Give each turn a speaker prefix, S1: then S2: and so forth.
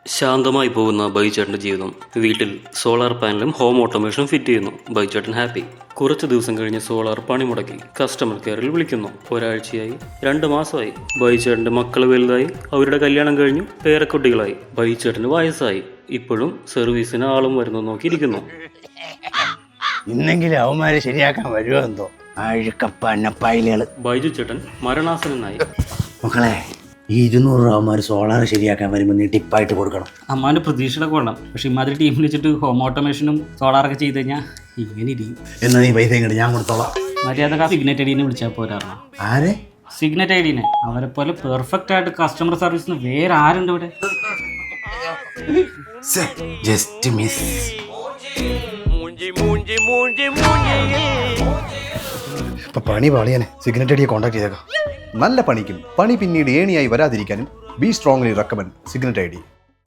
S1: ശാന്തമായി പോകുന്ന ബൈചേട്ടൻ്റെ ജീവിതം. വീട്ടിൽ സോളാർ പാനലും ഹോം ഓട്ടോമേഷനും ഫിറ്റ് ചെയ്യുന്നു. ബൈചേട്ടൻ ഹാപ്പി. കുറച്ച് ദിവസം കഴിഞ്ഞ് സോളാർ പണിമുടക്കി. കസ്റ്റമർ കെയറിൽ വിളിക്കുന്നു. ഒരാഴ്ചയായി, 2 മാസമായി. ബൈചേട്ടൻ്റെ മക്കൾ വലുതായി, അവരുടെ കല്യാണം കഴിഞ്ഞു, പേരക്കുട്ടികളായി. ബൈചേട്ടന് വയസ്സായി. ഇപ്പോഴും സർവീസിന് ആളും വരുന്നു നോക്കിയിരിക്കുന്നു.
S2: ഇന്നെങ്കിലും അവന്മാരെ ശരിയാക്കാൻ വരുമോ എന്തോ അഴുക്കപ്പന്നപ്പായിലുകൾ.
S1: ബൈജു ചേട്ടൻ മരണാസനായി.
S2: മക്കളെ, ഈ 200 രൂപ അവന്മാർ സോളാർ ശരിയാക്കാൻ വരുമ്പോൾ നീ ടിപ്പായിട്ട് കൊടുക്കണം.
S3: അമ്മാൻ്റെ പ്രതീക്ഷകളൊക്കെ കൊള്ളാം. പക്ഷെ ഇമാതിരി ടീമിൽ വെച്ചിട്ട് ഹോം ഓട്ടോമേഷനും സോളാറൊക്കെ ചെയ്ത് കഴിഞ്ഞാൽ ഇങ്ങനെ ഇരിക്കും.
S2: എന്നാ നീ പൈസ ഇങ്ങോട്ട് ഞാൻ കൊടുത്തോളാം.
S3: മര്യാദ സിഗ്നറ്റ് ഐഡീനെ വിളിച്ചാൽ പോരാ.
S2: ആരെ?
S3: സിഗ്നറ്റ് ഐഡീനെ. അവരെ പോലെ പെർഫെക്റ്റ് ആയിട്ട് കസ്റ്റമർ സർവീസിന് വേറെ ആരുണ്ട് ഇവിടെ?
S2: Just miss.
S4: ഇപ്പൊ പണി പാളിയാനെ സിഗ്നറ്റ് അടിയെ കോൺടാക്ട് ചെയ്തേക്കാം. നല്ല പണിക്കും പണി പിന്നീട് ഏണിയായി വരാതിരിക്കാനും we strongly recommend Signet I D.